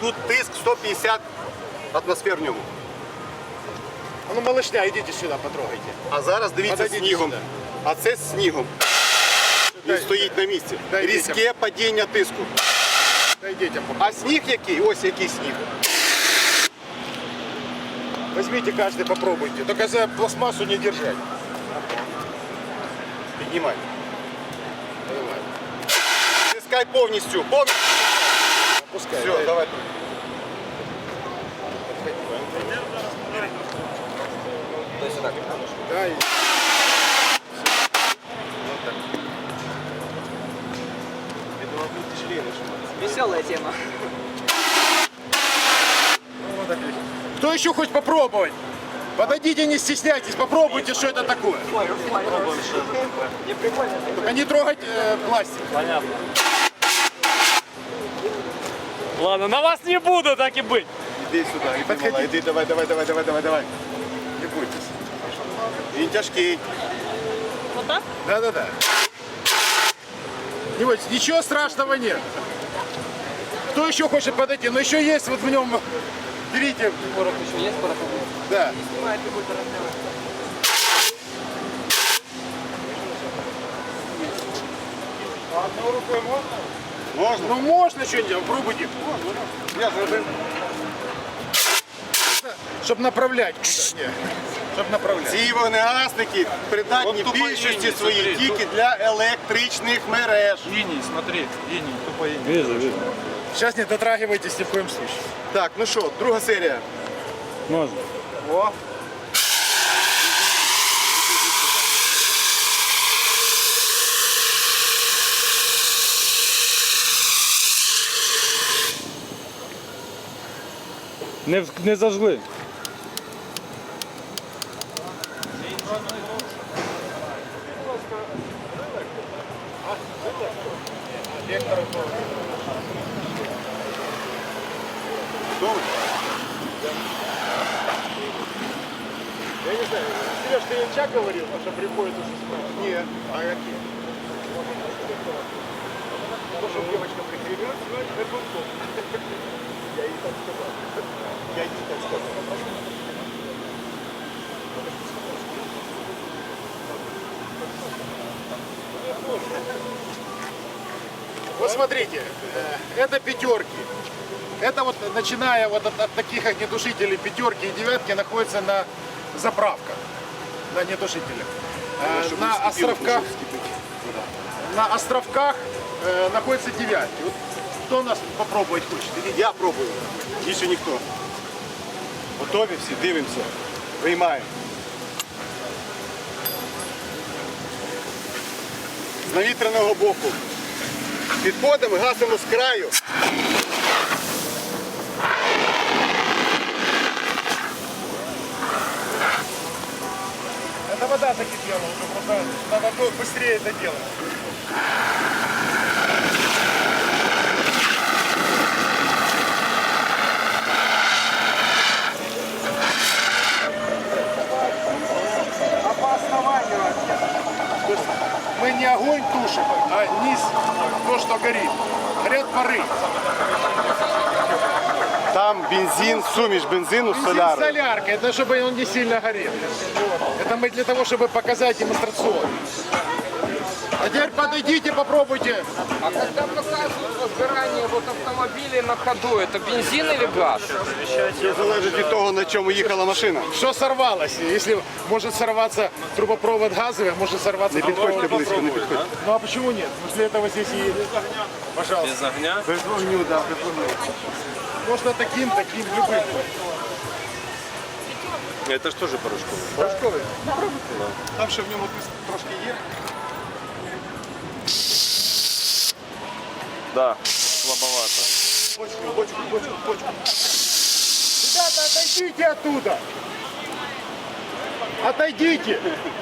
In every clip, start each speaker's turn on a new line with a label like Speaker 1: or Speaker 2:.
Speaker 1: тут тиск 150 атмосфер в ньому.
Speaker 2: А ну, малышня, идите сюда, потрогайте.
Speaker 1: А зараз дивіться
Speaker 2: Подойдіть
Speaker 1: снігом.
Speaker 2: сюди.
Speaker 1: А це з снігом. Він стоїть на місці.
Speaker 2: дай
Speaker 1: Різке падіння тиску.
Speaker 2: Дай детям.
Speaker 1: А сніг який? Ось який сніг.
Speaker 2: Возьмите каждый, попробуйте. Только за пластмассу не держать.
Speaker 1: Піднімай. Тискай повністю.
Speaker 2: Пускай.
Speaker 1: Все, давай.
Speaker 2: Дай.
Speaker 3: Веселая тема.
Speaker 2: Кто еще хочет попробовать? Подойдите, не стесняйтесь, попробуйте, что это такое.
Speaker 3: Не прикольно.
Speaker 2: Только не трогать пластик.
Speaker 4: Понятно. Ладно, на вас не буду, так и быть.
Speaker 1: Іди сюди, іди, мала, іди, давай. Не бойтесь. Він тяжкий.
Speaker 3: Вот так?
Speaker 2: Да. Не бойтесь, ничего страшного нет. Кто еще хочет подойти? Но еще есть вот в нем. Берите.
Speaker 3: Порох еще есть, порох?
Speaker 2: Да.
Speaker 3: Снимает любой размер.
Speaker 2: А одной рукой можно?
Speaker 1: Можна?
Speaker 2: Ну можно что-нибудь, пробуйте.
Speaker 1: Я зробив.
Speaker 2: Чтоб направлять куда. Не. Чтоб направлять.
Speaker 1: Ці вогнегасники придатні
Speaker 4: От тупо
Speaker 1: більшості
Speaker 4: лінії,
Speaker 1: своїй
Speaker 4: смотри,
Speaker 1: тільки для електричних мереж.
Speaker 4: Иний, смотри, иний, тупо иний. Вижу.
Speaker 2: Сейчас не дотрагивайтесь ни в коем случае.
Speaker 1: Так, ну що, друга серія.
Speaker 4: Можно.
Speaker 1: О.
Speaker 4: Не зажгли.
Speaker 2: Я не знаю, Сереж, ты Янчак говорил, что приходит уже справа? Нет. А какие? То, что девочка прикрепила, это он. Я ей так сказал. Вот смотрите, это пятерки. Это вот, начиная вот от таких огнетушителей, пятерки и девятки, находится на заправках, на огнетушителях. На островках находятся девятки. Вот кто у нас попробовать хочет? Или
Speaker 1: Я пробую. Більше ніхто. Готові всі, дивимося. Виймаємо. З навітряного боку. Підходимо, гасимо з краю.
Speaker 2: Это вода закипела уже, просто надо быстрее это делать. А по основанию то есть мы не огонь тушим, а низ, то, что горит. Горят пары.
Speaker 1: Там бензин, суміш бензину з
Speaker 2: Бензин
Speaker 1: солярою.
Speaker 2: солярка, это чтобы он не сильно горел. Это мы для того, чтобы показать демонстрационно. А теперь подойдите, попробуйте.
Speaker 3: А когда показывают возгорание вот автомобилей на ходу, это бензин или газ?
Speaker 1: Це залежить від того, на чому їхала машина.
Speaker 2: Что сорвалось? Если может сорваться трубопровод газовый, может сорваться
Speaker 1: Не підходьте
Speaker 2: трубопровод.
Speaker 1: близько, не підходьте.
Speaker 2: Ну а почему нет? После этого здесь и... Пожалуйста.
Speaker 4: Без огня?
Speaker 1: Без вогню, да, без вогню.
Speaker 2: Можно таким, любым.
Speaker 4: Это ж тоже порошковый.
Speaker 2: Порошковый.
Speaker 1: Там ще в ньому трошки є.
Speaker 4: Да, слабовато.
Speaker 1: Бочку.
Speaker 2: Ребята, отойдите оттуда. Отойдите.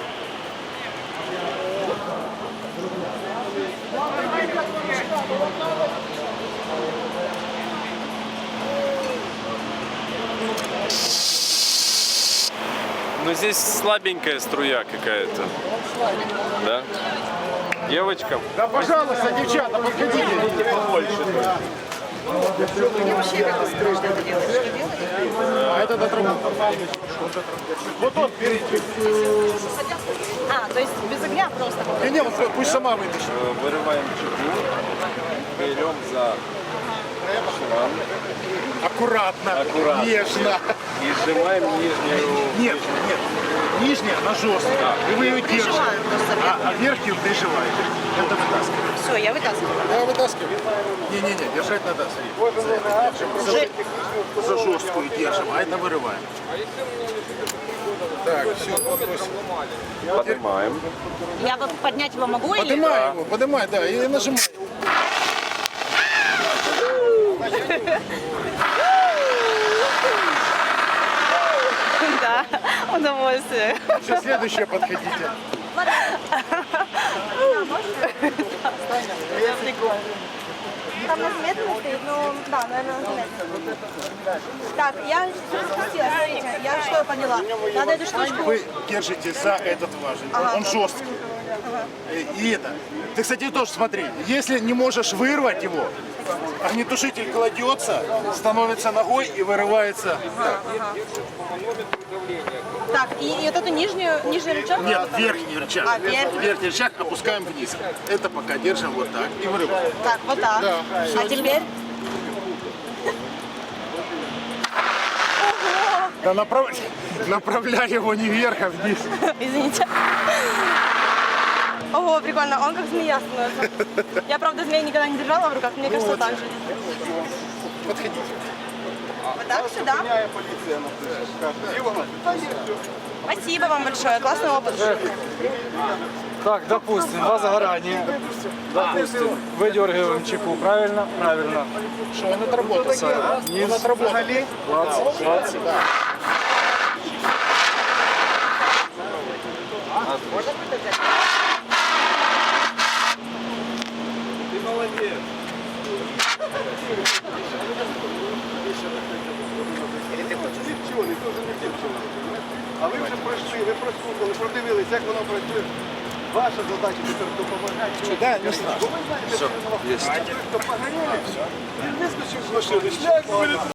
Speaker 4: Но здесь слабенькая струя какая-то. Да? Девочкам?
Speaker 2: Да, пожалуйста, девчата, подходите.
Speaker 5: Мне вообще как-то страшно это делать. Что делать?
Speaker 2: А этот отработал. Вот он впереди.
Speaker 5: А, то есть без огня просто.
Speaker 2: Не, вот пусть сама вытащит.
Speaker 4: Вырываем чеку, берем за шрам
Speaker 2: Аккуратно,
Speaker 4: Аккуратно.
Speaker 2: нежно.
Speaker 4: и сжимаем нижнюю.
Speaker 2: Нет, нет. Нижняя, она жесткая. И вы ее держите.
Speaker 5: Прижимаем просто вверх.
Speaker 2: А верхнюю прижимаете. Это вытаскиваем.
Speaker 5: Все, я вытаскиваю.
Speaker 2: Да, вытаскиваем. Не-не-не, держать надо. Смотри. За жесткую держим, а это вырываем. Так, все,
Speaker 4: Поднимаем.
Speaker 5: Я вот поднять его могу или?
Speaker 2: поднимай его, поднимай, да, и нажимай.
Speaker 5: Да, удовольствие.
Speaker 2: Сейчас следующее подходите.
Speaker 6: Там на заметно стоит, ну да, наверное, на заметно. Так, я что хотела, смотрите, я что поняла. Надо эту штучку.
Speaker 2: Вы держите за этот важель, он жесткий. И это. Ты, кстати, тоже смотри, если не можешь вырвать его, огнетушитель кладется, становится ногой и вырывается.
Speaker 6: Так, и вот эту нижний рычаг.
Speaker 2: Нет, верхний рычаг.
Speaker 6: А, верхний.
Speaker 2: Верхний рычаг опускаем вниз. Это пока держим вот так и вырываем.
Speaker 6: Так, вот так.
Speaker 2: Да, всё.
Speaker 6: А теперь?
Speaker 2: Да направляй его не вверх, а вниз.
Speaker 6: Извините. Ого, прикольно, он как змея становится. Я, правда, змею никогда не держала в руках, мне кажется, так же.
Speaker 2: Подходите.
Speaker 6: Вот так сюда. Спасибо вам большое, классный опыт.
Speaker 7: Так, допустим, два загорания. Допустим, выдергиваем чеку. Правильно? Правильно.
Speaker 2: Что он отработал? Он отработал.
Speaker 7: 20.
Speaker 8: А ви вже пройшли, ви прослухали, продивились, як воно працює. Ваша задача тепер допомагати.
Speaker 2: Да, не страшно.
Speaker 8: Хто погоріли, вискочив з машини, шлях виліз.